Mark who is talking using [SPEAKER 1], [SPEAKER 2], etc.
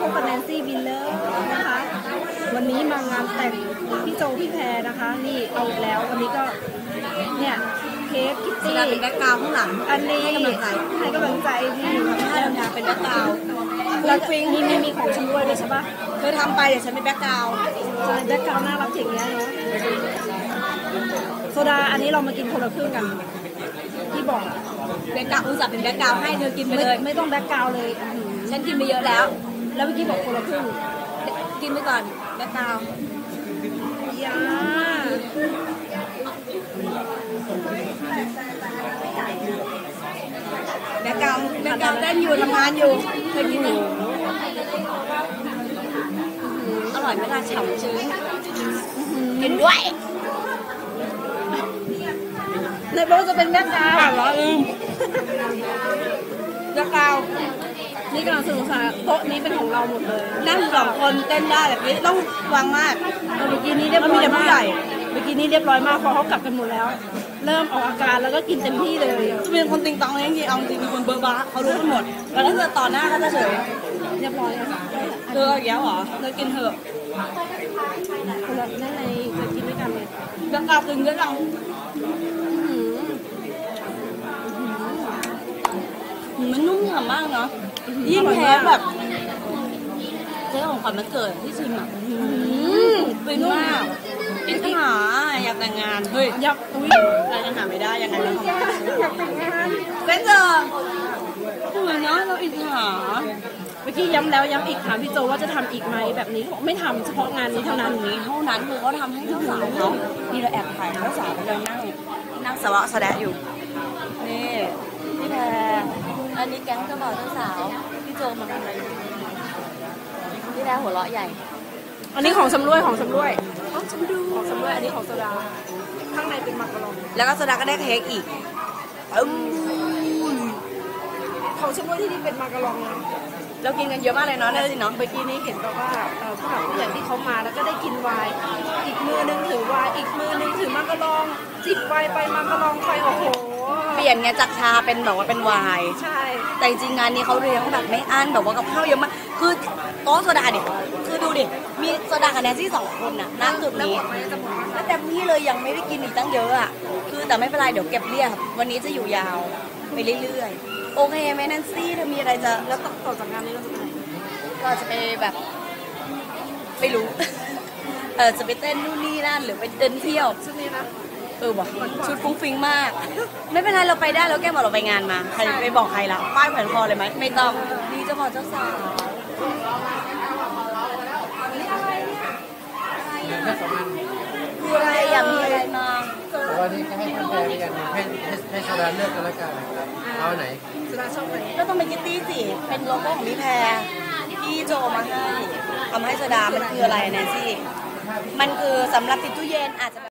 [SPEAKER 1] กับแนนซี่วิลเลอร์นะคะวันนี้มางานแต่งพี่โจพี่แพรนะคะนี่เอาอีกแล้ววันนี้ก็เนี่ยเค้กคิตตี้
[SPEAKER 2] เป็นแบ็คกราวด์ข้างหลัง
[SPEAKER 1] อันนี้ให้กำลังใจพี่
[SPEAKER 2] ให้ทำงานเป็นแบ็คกราวด์
[SPEAKER 1] แล้วนี่ไม่มีของชำร่วยเลยใช่ปะ
[SPEAKER 2] เธอทำไปเดี๋ยวฉันเป็นแบ็คกราวด์
[SPEAKER 1] แบ็คกราวด์น่ารักอย่างเงี้ยเนาะโซดาอันนี้เรามากินคนละครึ่งกันที่บอก
[SPEAKER 2] แบ็คกราวด์อุตส่าห์เป็นแบ็คกราวด์ให้เธอกินไปเลย
[SPEAKER 1] ไม่ต้องแบ็คกราวด์เลย
[SPEAKER 2] ฉันกินไปเยอะแล้ว
[SPEAKER 1] เมื่อกี้บอกคนละครึ่ง
[SPEAKER 2] กินไปก่อนแบ็คกราวด์
[SPEAKER 1] ยา
[SPEAKER 2] แบ็คกราวด์เต้นอยู่ทำงานอยู่เคยกินไหมอร่อยไหมล่ะฉ่ำชื้นกินด้วย
[SPEAKER 1] ในโบจะเป็นแบ็คกราวด์
[SPEAKER 2] เหรอแบ็คกราวด์
[SPEAKER 1] นี่กำลังสนุกสนานโต๊ะนี้เป็นของเราหมดเลย
[SPEAKER 2] นั่ง2 คนเต้นได้แบบนี้ต้องวางมาก
[SPEAKER 1] เมื่อกี้นี้เรียบร้อยมากเมื่อกี้นี้เรียบร้อยมากพอเขากลับกันหมดแล้วเริ่มออกอาการแล้วก็กินเต็มที่เลย
[SPEAKER 2] จะเป็นคนติงตองเลยจริงๆเอาจริงเป็นคนเบอร์บ้าเขารู้กันหมดแล้วถ้าเกิดต่อหน้าก็จะเฉย
[SPEAKER 1] เรียบร้อย
[SPEAKER 2] เธออย่างเงี้ยเหรอเธอกินเถอะ
[SPEAKER 1] คนละนั่นในเคยกินด้วยกันเลย
[SPEAKER 2] แบ็คกราวด์กินด้วยกันมันนุ่มฉ่ำมากเนาะยิ่งแพ้แบบเจ้าของขวัญมันเกิดที่ชิมอ่ะเป็นมากอินทหาอยากแต่งงานเฮ้ย
[SPEAKER 1] ยับอุ้ย
[SPEAKER 2] เรายังหาไม่ได้ยังไงเรา
[SPEAKER 1] อยากแต่งงาน
[SPEAKER 2] เซ็นเซอร์ทำไมเนาะเราอินทหา
[SPEAKER 1] เมื่อกี้ย้ำแล้วย้ำอีกถามพี่โจว่าจะทำอีกไหมแบบนี้เขาไม่ทำเฉพาะงานนี้เท่านั้น
[SPEAKER 2] คือเขาทำให้เจ้าสาวเขานี่เราแอบถ่ายเจ้าสาวกำลังนั่งสวะแสดงอยู่นี่พี่แพรอันนี้แก๊งเจ้าบ่าวเจ้าสาวพี่โจมาทำอะไรพี่แพรหัวเราะใหญ่
[SPEAKER 1] อันนี้ของชำร่วยของชำร่วยอันนี้ของโซดาข้างในเป็นมักกะลอง
[SPEAKER 2] แล้วก็โซดาก็ได้เค้กอีก
[SPEAKER 1] ของชำร่วยที่นี่เป็นมักกะลองนะ
[SPEAKER 2] เรากินกันเยอะมากเลยเนาะนั่นสิเนาะ
[SPEAKER 1] เมื่อกี้นี้เห็นบอกว่าผู้หลักผู้ใหญ่ที่เขามาแล้วก็ได้กินไวน์อีกมือนึงถือไวน์อีกมือนึงถือมักกะลองจิบไวน์ไปมักกะลองไปโอ้โห
[SPEAKER 2] เปลี่ยนไงจากชาเป็นแบบว่าเป็นไวน์
[SPEAKER 1] ใช่
[SPEAKER 2] แต่จริงงานนี้เขาเลี้ยงแบบไม่อั้นแบบว่ากับข้าวเยอะมากคือโต๊ะโซดาดิคือดูดิมีโซดากับแนนซี่2 คนน่ะนั่งจุดนี้แล้วแต่พี่เลยยังไม่ได้กินอีกตั้งเยอะอ่ะคือแต่ไม่เป็นไรเดี๋ยวเก็บเรียบวันนี้จะอยู่ยาวไปเรื่อยๆโอเคไหมแนนซี่เธอมีอะไรจะ
[SPEAKER 1] แล้วต่อจากงานนี้เราจะไปไหน
[SPEAKER 2] ก็จะไปแบบไม่รู้จะไปเต้นนู่นนี่นั่นหรือไปเดินเที่ยว
[SPEAKER 1] ชุดนี้นะ
[SPEAKER 2] ว่ะชุดฟุ้งฟิ้งมากไม่เป็นไรเราไปได้แล้วแกบอกเราไปงานมาใครไปบอกใครละป้ายแผ่นคอเลยไหมไม่ต้องนี่เจ้าบ่าวเจ้าสาวคืออะไรอยากมีอะไรมา
[SPEAKER 3] วันนี้ก็ให้ท่านแพรกันให้โซดาเลือกกันแล้วกันเอาไหน
[SPEAKER 1] โซดาชอบไหน
[SPEAKER 2] ก็ต้องเป็นคิตตี้สิเป็นโลโก้ของพี่แพรพี่โจมาให้ทำให้โซดามันคืออะไรแนนซี่มันคือสำหรับติดตู้เย็นอาจจะ